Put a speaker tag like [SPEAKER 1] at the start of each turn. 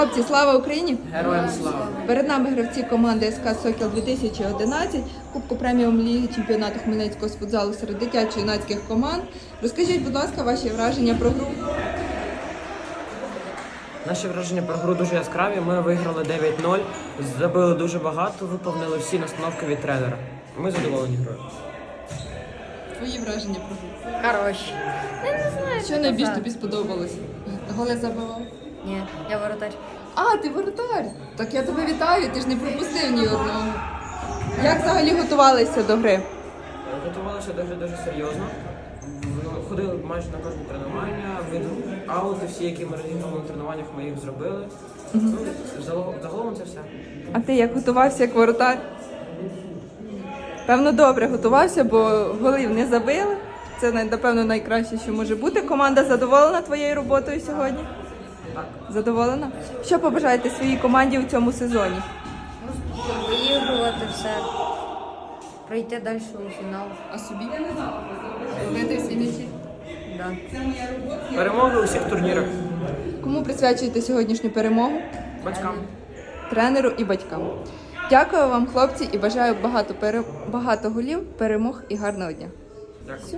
[SPEAKER 1] Хлопці, слава Україні!
[SPEAKER 2] Героям слава!
[SPEAKER 1] Перед нами гравці команди СК «Сокіл 2011», Кубку преміум ліги чемпіонату Хмельницького з футзалу серед дитячо-юнацьких команд. Розкажіть, будь ласка, ваші враження про гру.
[SPEAKER 2] Наші враження про гру дуже яскраві. Ми виграли 9-0, забили дуже багато, виповнили всі настановки від тренера. Ми задоволені грою.
[SPEAKER 1] Твої враження про гру.
[SPEAKER 3] Хороший. Я не знаю,
[SPEAKER 1] Що найбільш тобі сподобалось? Голи забивав?
[SPEAKER 3] Ні, я воротар.
[SPEAKER 1] А, ти воротар! Так я тебе вітаю, ти ж не пропустив ні одного. Як взагалі готувалися до гри?
[SPEAKER 2] Готувалися дуже серйозно. Ходили майже на кожне тренування, аути всі, які ми розіграли на тренуваннях, ми їх зробили. Загалом це все.
[SPEAKER 1] А ти як готувався як воротар? Певно, добре готувався, бо голів не забили. Це, напевно, найкраще, що може бути. Команда задоволена твоєю роботою сьогодні?
[SPEAKER 2] Так.
[SPEAKER 1] Задоволена? Що побажаєте своїй команді у цьому сезоні?
[SPEAKER 3] Виігрувати все. Пройти далі у фінал.
[SPEAKER 1] А собі? Ловити всі м'ячі?
[SPEAKER 3] Да.
[SPEAKER 2] Перемоги у всіх турнірах.
[SPEAKER 1] Кому присвячуєте сьогоднішню перемогу?
[SPEAKER 2] Батькам.
[SPEAKER 1] Тренеру і батькам. Дякую вам, хлопці, і бажаю багато голів, перемог і гарного дня.
[SPEAKER 2] Дякую.